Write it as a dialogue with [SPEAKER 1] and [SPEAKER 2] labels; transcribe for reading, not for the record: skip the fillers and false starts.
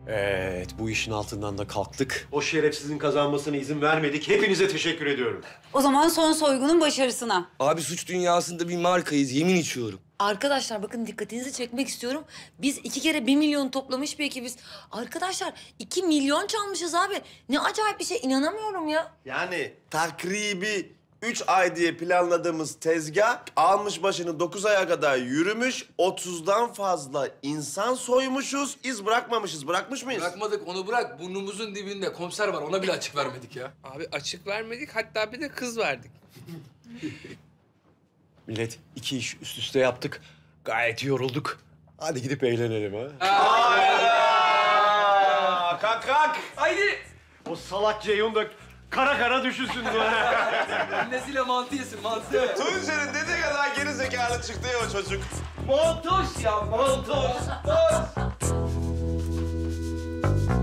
[SPEAKER 1] Evet, bu işin altından da kalktık. O şerefsizin kazanmasına izin vermedik. Hepinize teşekkür ediyorum.
[SPEAKER 2] O zaman son soygunun başarısına.
[SPEAKER 3] Abi suç dünyasında bir markayız, yemin içiyorum.
[SPEAKER 4] Arkadaşlar bakın dikkatinizi çekmek istiyorum. Biz 2 kere 1 milyon toplamış bir ekibiz. Arkadaşlar 2 milyon çalmışız abi. Ne acayip bir şey, inanamıyorum ya.
[SPEAKER 5] Yani takribi 3 ay diye planladığımız tezgah almış başını 9 aya kadar yürümüş. 30'dan fazla insan soymuşuz. İz bırakmamışız. Bırakmış mıyız?
[SPEAKER 6] Bırakmadık, onu bırak. Burnumuzun dibinde komiser var, ona bile açık vermedik ya.
[SPEAKER 7] Abi açık vermedik, hatta bir de kız verdik.
[SPEAKER 1] Millet, 2 iş üst üste yaptık. Gayet yorulduk. Hadi gidip eğlenelim ha.
[SPEAKER 5] Kalk kalk.
[SPEAKER 6] Haydi.
[SPEAKER 1] O salak Ceyhun da kara kara düşünsün.
[SPEAKER 6] Annesiyle mantı yesin, mantı.
[SPEAKER 5] Tuncer'in dediği kadar geri zekalı çıktı ya o çocuk.
[SPEAKER 6] Montoş ya, montoş.